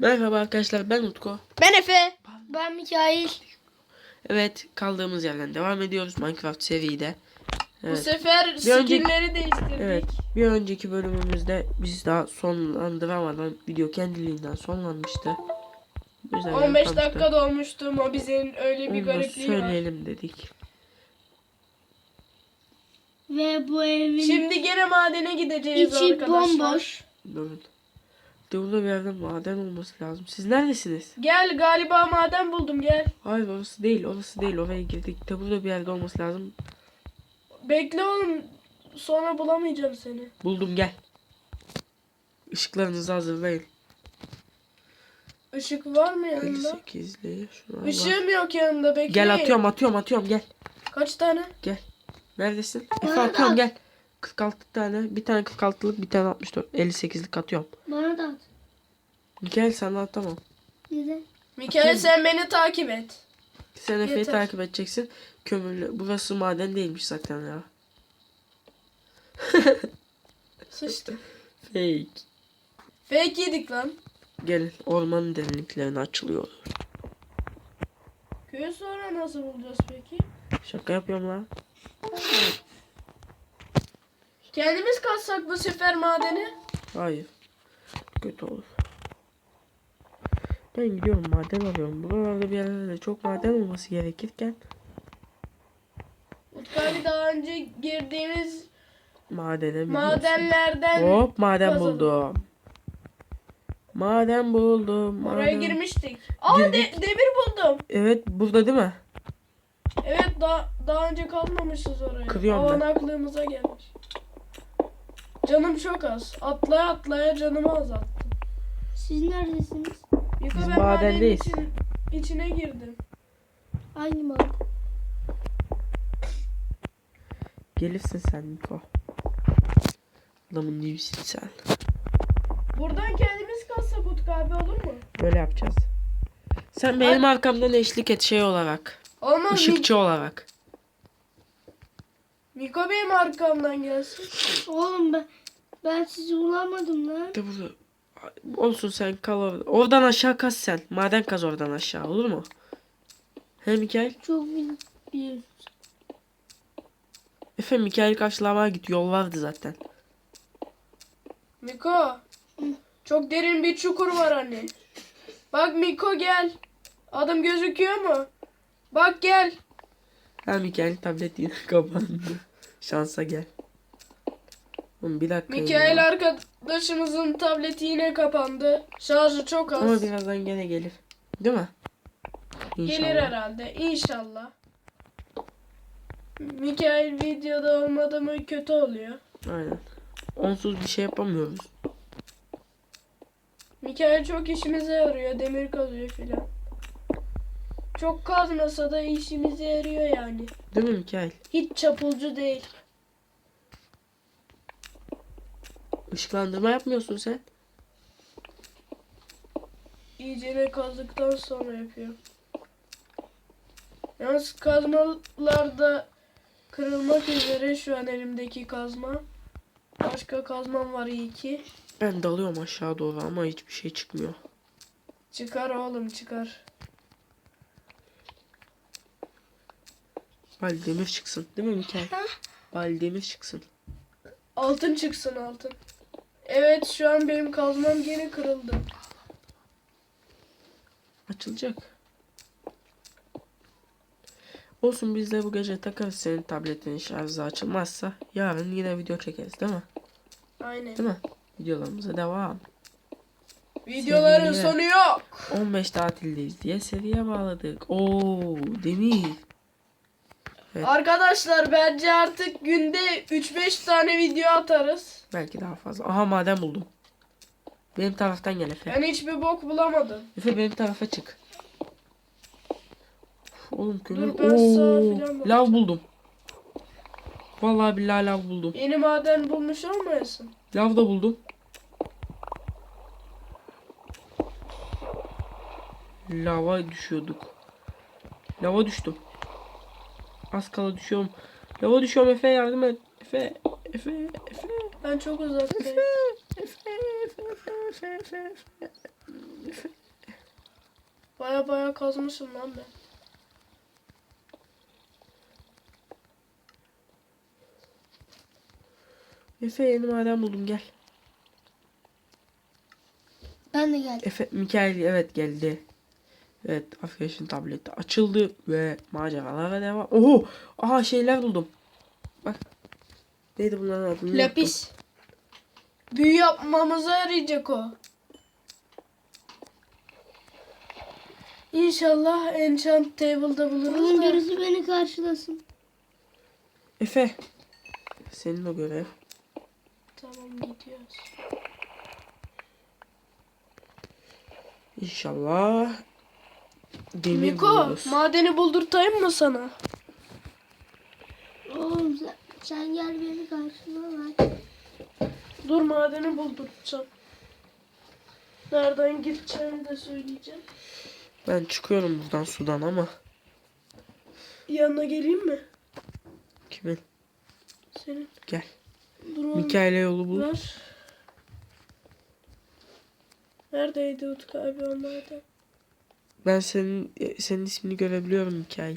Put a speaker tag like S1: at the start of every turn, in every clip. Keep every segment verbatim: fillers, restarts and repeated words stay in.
S1: Merhaba arkadaşlar, ben Utku.
S2: Ben Efe. Ben Mikail.
S1: Evet, kaldığımız yerden devam ediyoruz Minecraft seride. Evet.
S2: Bu sefer
S1: Bir önceki-
S2: skinleri değiştirdik.
S1: Evet, bir önceki bölümümüzde biz daha sonlandıramadan video kendiliğinden sonlanmıştı. Güzel
S2: on beş
S1: yapmıştı.
S2: dakika dolmuştu, Mobizen öyle bir
S1: Onu da
S2: garipliği var.
S1: söyleyelim dedik.
S3: Ve bu evin
S2: Şimdi gene madene gideceğiz
S3: içi
S2: arkadaşlar.
S3: bomboş.
S1: Durun. Burada bir yerde maden olması lazım. Siz neredesiniz?
S2: Gel, galiba maden buldum, gel.
S1: Hayır, orası değil, orası değil. Oraya girdik. De burada bir yerde olması lazım.
S2: Bekle oğlum, sonra bulamayacağım seni.
S1: Buldum, gel. Işıklarınızı hazırlayın.
S2: Işık var mı yanında?
S1: elli sekizli şuna bak.
S2: Işığım yok yanında, bekle.
S1: Gel, atıyorum atıyorum atıyorum gel.
S2: Kaç tane?
S1: Gel. Neredesin?
S3: Bana
S1: Efe
S3: da
S1: atıyorum
S3: at.
S1: gel. kırk altı tane. Bir tane kırk altılık, bir tane altmış dört. elli sekizlik atıyorum.
S3: Bana da at.
S1: Gel, sana atamam.
S3: Neden?
S2: Mikael, sen beni takip et.
S1: Sen Efe'yi
S2: Yeter.
S1: takip edeceksin. Kömürlü. Burası maden değilmiş zaten ya.
S2: Sıçtı.
S1: Fake.
S2: Fake yedik lan.
S1: Gelin, ormanın derinliklerine açılıyor.
S2: Köyü sonra nasıl bulacağız peki?
S1: Şaka yapıyorum lan.
S2: Kendimiz kazsak bu sefer madeni.
S1: Hayır. Kötü olur. Ben gidiyorum, maden arıyorum. Buralarda bir yerlerde çok maden olması gerekirken
S2: Utkali daha önce girdiğimiz
S1: madene biliyorsun.
S2: madenlerden
S1: Hop, maden
S2: kazalım.
S1: buldum. Maden buldum.
S2: Oraya
S1: maden-
S2: girmiştik. Aa, de-
S1: Girdik.
S2: demir buldum.
S1: Evet, burada değil mi?
S2: Evet, daha daha önce kalmamışız oraya.
S1: Kırıyorum
S2: Aman
S1: ben.
S2: aklımıza gelmiş. Canım çok az. Atlaya atlaya canımı azalttım.
S3: Siz neredesiniz?
S2: Yıka,
S1: Biz
S2: ben madenin
S1: madendeyiz.
S2: için, içine girdim.
S3: Hangi maden?
S1: Gelirsin sen Niko. Adamın neysin sen?
S2: Buradan kendimiz kazsak Utku abi, olur mu?
S1: Böyle yapacağız. Sen benim arkamdan eşlik et şey olarak.
S2: Olmaz mı?
S1: Işıkçı olarak.
S2: Miko benim arkamdan gelsin.
S3: Oğlum ben ben sizi bulamadım lan.
S1: De burada. Olsun, sen kal orada. Oradan aşağı kaz sen. Maden kaz oradan aşağı, olur mu? He Mikail?
S3: Çok bil- biliyorsun.
S1: Efe, Mikail karşılamaya git. Yol vardı zaten.
S2: Miko. Çok derin bir çukur var anne. Bak Miko, gel. Adım gözüküyor mu? Bak gel.
S1: Ha, Mikail tablet yine kapandı. Şansa gel. Oğlum bir dakika.
S2: Mikail
S1: ya.
S2: arkadaşımızın tableti yine kapandı. Şarjı çok
S1: Ama
S2: az.
S1: birazdan gene gelir. Değil mi? İnşallah.
S2: Gelir herhalde. İnşallah. Mikail videoda olmadı mı kötü oluyor.
S1: Aynen. Onsuz bir şey yapamıyoruz.
S2: Mikail çok işimize yarıyor. Demir kazıyor filan. Çok kazmasa da işimize yarıyor yani.
S1: Değil mi Mikail?
S2: Hiç çapulcu değil.
S1: Işıklandırma yapmıyorsun sen.
S2: İyicene kazdıktan sonra yapıyor. Yalnız kazmalar da kırılmak üzere şu an elimdeki kazma. Başka kazmam var iyi ki.
S1: Ben dalıyorum aşağı doğru ama hiçbir şey çıkmıyor.
S2: Çıkar oğlum, çıkar.
S1: Bari demir çıksın. Değil mi Mikail? Bari demir çıksın.
S2: Altın çıksın, altın. Evet, şu an benim kazmam gene kırıldı.
S1: Açılacak. Olsun, biz de bu gece takarız senin tabletin şarjı açılmazsa. Yarın yine video çekeriz değil mi?
S2: Aynen.
S1: Değil mi? Videolarımıza devam.
S2: Videoların
S1: Sevgili-
S2: sonu yok.
S1: on beş tatildeyiz diye seriye bağladık. Oo, demir. Evet.
S2: Arkadaşlar, bence artık günde üç beş tane video atarız.
S1: Belki daha fazla. Aha, maden buldum. Benim taraftan gel Efe.
S2: Ben hiçbir bok bulamadım.
S1: Efe, benim tarafa çık. Oğlum kömür.
S2: Dur, ben sağa
S1: Oo,
S2: filan bakacağım.
S1: lav buldum. Vallahi billahi lav buldum.
S2: Yeni maden bulmuş olmayasın.
S1: Lav da buldum. Lava düşüyorduk. Lava düştüm. Az kala düşüyorum. Lava düşüyorum Efe, yardım et. Efe, Efe, Efe.
S2: Ben çok uzaktayım.
S1: Efe, Efe, Efe, Efe, Efe. Efe.
S2: Baya baya kazmışım lan ben.
S1: Efe yeni maden buldum gel.
S3: Ben de geldim.
S1: Efe Mikail evet geldi. Evet arkadaşın tableti açıldı ve maceralara devam. Oho! Aha şeyler buldum. Bak. Neydi bunların adı? Unuttum.
S2: Lapis. Büyü yapmamıza yarayacak o. İnşallah enchant table'da buluruz
S3: Onun
S2: da.
S3: birisi beni karşılasın.
S1: Efe. Senin o görev.
S2: Tamam gidiyoruz.
S1: İnşallah demir
S2: Miko
S1: buluruz.
S2: madeni buldurtayım mı sana?
S3: Oğlum sen, sen gel beni karşıla lan.
S2: Dur madeni buldurtacağım. Nereden gideceğimi de söyleyeceğim.
S1: Ben çıkıyorum buradan sudan ama.
S2: Yanına geleyim mi?
S1: Kimin?
S2: Senin.
S1: Gel.
S2: Dur oğlum.
S1: Mikail'e yolu bul.
S2: Ver. Neredeydi Utku abi o maden?
S1: Ben senin senin ismini görebiliyorum Mikail.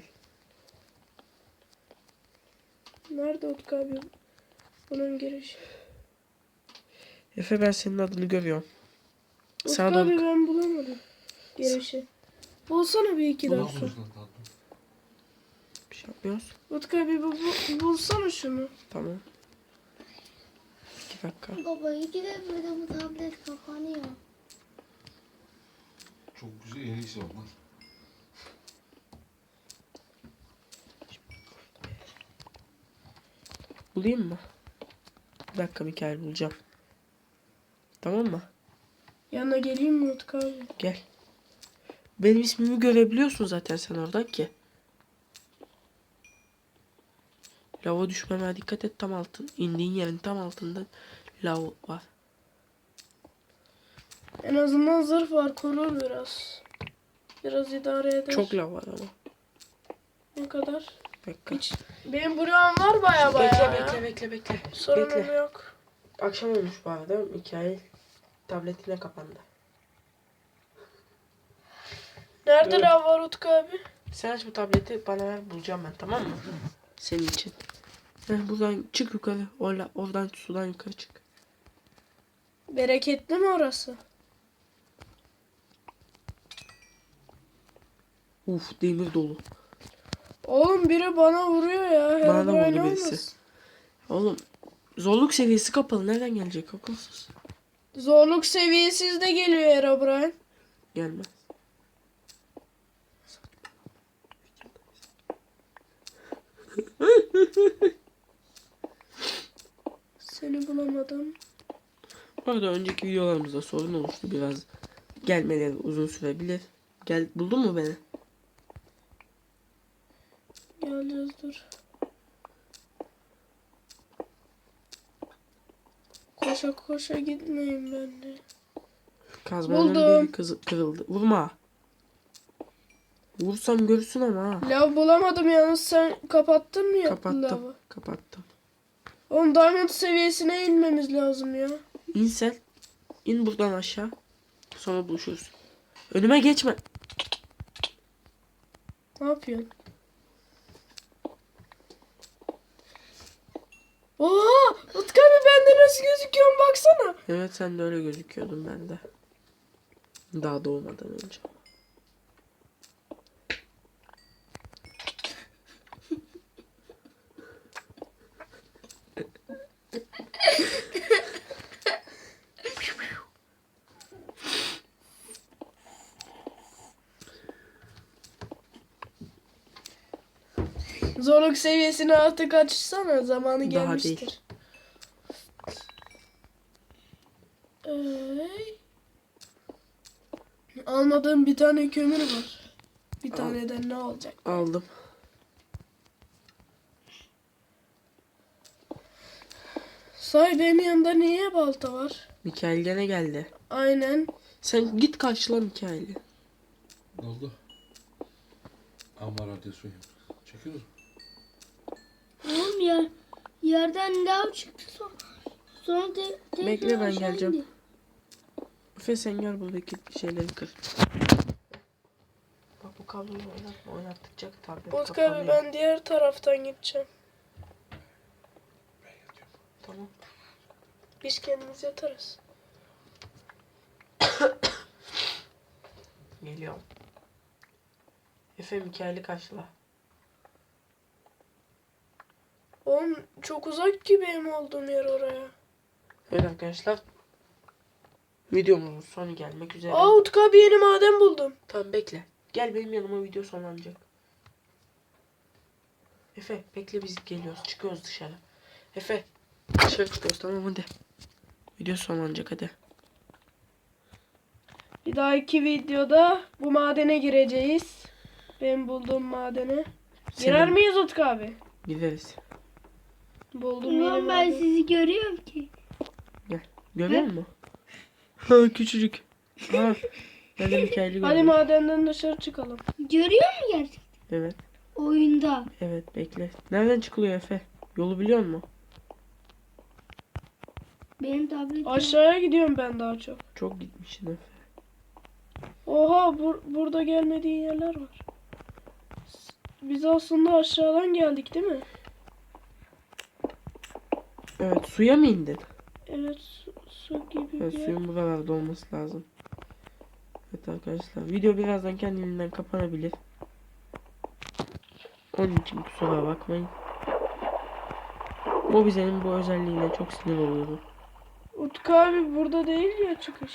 S2: Nerede Utku abi? Bunun girişi.
S1: Efe ben senin adını görüyorum.
S2: Utku
S1: Sağa
S2: abi
S1: doğru.
S2: ben bulamadım. Girişi. Bulsana bir iki dakika.
S4: Bulamıyoruz lan tatlım.
S1: Bir şey yapmıyoruz.
S2: Utku abi bu, bu, bulsana şunu.
S1: Tamam. İki dakika.
S3: Baba iki de böyle bu tablet kapanıyor.
S4: Çok güzel en iyisi onlar.
S1: Bulayım mı? Bir dakika Mikail bulacağım. Tamam mı?
S2: Yanına geleyim mi Utku abi?
S1: Gel. Benim ismimi görebiliyorsun zaten sen oradan ki. Lava düşmeme dikkat et, tam altın. İndiğin yerin tam altında lav var.
S2: En azından zırh var, korur biraz. Biraz idare eder.
S1: Çok lav var ama.
S2: Ne kadar?
S1: Bir dakika.
S2: Hiç. Benim buram var baya baya.
S1: Bekle
S2: ya.
S1: bekle bekle bekle.
S2: Sorunum
S1: Bekle.
S2: yok.
S1: Akşam olmuş bu arada. Mikail tabletine kapandı.
S2: Nerede
S1: Evet.
S2: lav var Utku abi?
S1: Sen aç bu tableti bana ver, bulacağım ben, tamam mı? Senin için. Heh, buradan çık yukarı. Orla, oradan sudan yukarı çık.
S2: Bereketli mi orası?
S1: Uf demir dolu.
S2: Oğlum biri bana vuruyor ya.
S1: Bana da
S2: Herobrine
S1: vurdu birisi.
S2: olmasın.
S1: Oğlum zorluk seviyesi kapalı. Nereden gelecek akılsız?
S2: Zorluk seviyesiz de geliyor Herobrine.
S1: Gelmez.
S2: Seni bulamadım.
S1: Bu arada önceki videolarımızda sorun olmuştu biraz. Gelmeleri uzun sürebilir. Gel, buldun mu beni?
S2: Geleceğiz dur. Koşa koşa gitmeyin ben de.
S1: Kazmanın
S2: Buldum.
S1: biri kızı, kırıldı. Vurma. Vursam görürsün ama ha.
S2: Lav bulamadım yalnız, sen kapattın mı ya
S1: Kapattım.
S2: lavı?
S1: Kapattım.
S2: Oğlum diamond seviyesine inmemiz lazım ya.
S1: İn sen. İn buradan aşağı. Sonra buluşuruz. Önüme geçme.
S2: Ne yapıyorsun? Oha! Utku abi bende nasıl gözüküyorsun baksana.
S1: Evet sen de öyle gözüküyordun ben de. Daha doğmadan önce.
S2: Zorluk seviyesini artık açsana, zamanı
S1: Daha
S2: gelmiştir. Ey. Almadığım bir tane kömür var. Bir
S1: Al.
S2: taneden ne olacak?
S1: Aldım.
S2: Say benim yanımda niye balta var?
S1: Mikail gene geldi.
S2: Aynen.
S1: Sen git karşıla Mikail'i.
S4: Ne oldu? Ama radyasyon yok. Çekiyoruz mu?
S3: Oğlum ya yerden lav çıktı sonra. Sonra te, tekrar
S1: Bekle, ben
S3: aşağı
S1: geleceğim.
S3: indi.
S1: Efe sen gel buradaki şeyleri kır. Bak bu kabloyu oynatma. Oynattıkça tablet
S2: Utku abi
S1: kapanıyor.
S2: ben diğer taraftan gideceğim.
S4: Ben yatıyorum.
S1: Tamam.
S2: Biz kendimiz yatarız.
S1: Geliyorum. Efe Mikail'i karşıla.
S2: Oğlum çok uzak ki benim olduğum yer oraya.
S1: Evet arkadaşlar. Videomuzun sonu gelmek üzere.
S2: Aa Utku abi yeni maden buldum.
S1: Tamam bekle. Gel benim yanıma, video sonlanacak. Efe bekle, biz geliyoruz. Çıkıyoruz dışarı. Efe dışarı çıkıyoruz, tamam hadi. Video sonlanacak hadi.
S2: Bir dahaki videoda bu madene gireceğiz. Ben bulduğum madene. Girer
S1: Senin-
S2: miyiz Utku abi?
S1: Gideriz.
S2: Buldum yeni
S3: Ulan ben
S2: maden.
S3: sizi görüyorum ki.
S1: Görüyor musun? Ha küçücük. Ha. Ben de Mikail'i
S2: Hadi
S1: gördüm.
S2: madenden dışarı çıkalım.
S3: Görüyor mu gerçekten?
S1: Evet.
S3: Oyunda.
S1: Evet bekle. Nereden çıkılıyor Efe? Yolu biliyor musun?
S3: Benim tabletim.
S2: Aşağıya gidiyorum ben daha çok.
S1: Çok gitmişsin Efe.
S2: Oha bur- burada gelmediğin yerler var. S- Biz aslında aşağıdan geldik değil mi?
S1: Evet, suya mı indin?
S2: Evet su, su gibi
S1: Evet,
S2: bir yer.
S1: suyun buralarda olması lazım. Evet arkadaşlar, video birazdan kendiliğinden kapanabilir. Onun için kusura bakmayın. Mobize'nin bu özelliğine çok sinir oluyorum.
S2: Utku abi burada değil ya çıkış.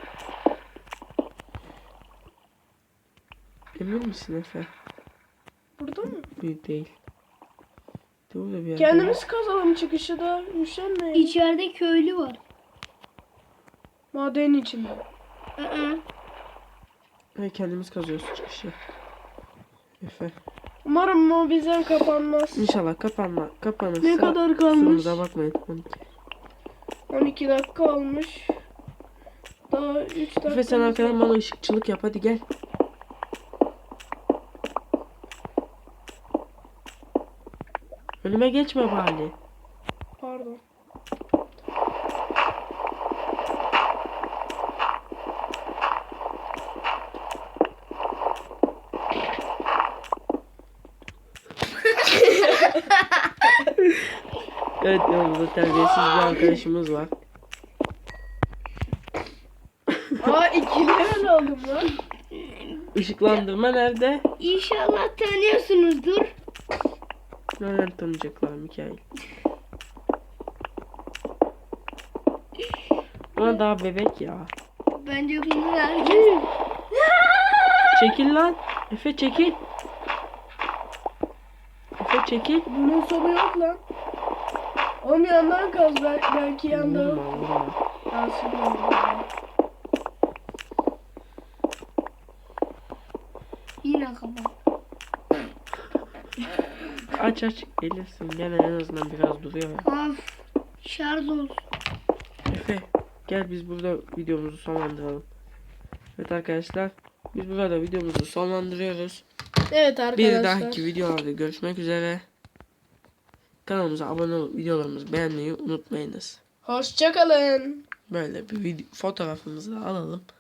S1: Emin misin Efe?
S2: Burada mı?
S1: Büyük değil. Burada bir yerde.
S2: Kendimiz kazalım çıkışı da üşenmeyin.
S3: İçeride köylü var.
S2: Madenin içinde.
S3: Aa,
S1: Ve kendimiz kazıyoruz çıkışı. Efe.
S2: Umarım o bizden kapanmaz.
S1: İnşallah kapanma. Kapanırsa
S2: Ne kadar kalmış?
S1: kusurumuza bakmayın. on iki.
S2: on iki dakika olmuş. Daha üç dakika.
S1: Efe sen arkadan bana ışıkçılık yap, hadi gel. Önüme geçme bari.
S2: Pardon.
S1: Evet, yanımızda terbiyesiz bir arkadaşımız var.
S2: Aa ikili öyle oldum lan.
S1: Işıklandırma nerede?
S3: İnşallah tanıyorsunuzdur.
S1: Nereden tanıyacaklar Mikail? Ama daha bebek ya.
S3: Bence bunu herkes.
S1: Çekil lan. Efe çekil. Efe çekil.
S2: Bunun sonu yok lan. Oğlum yandan kaz bel- belki yandan.
S1: Vurma vurma.
S2: Ben sürüyorum.
S3: Yine kapat.
S1: Aç aç. Gelirsin. Gene en azından biraz duruyor ya.
S3: Of. Şarj olsun.
S1: Efe gel biz burada videomuzu sonlandıralım. Evet arkadaşlar. Biz burada videomuzu sonlandırıyoruz.
S2: Evet arkadaşlar.
S1: Bir dahaki videolarda görüşmek üzere. Kanalımıza abone olup videolarımızı beğenmeyi unutmayınız.
S2: Hoşçakalın.
S1: Böyle bir video, fotoğrafımızı da alalım.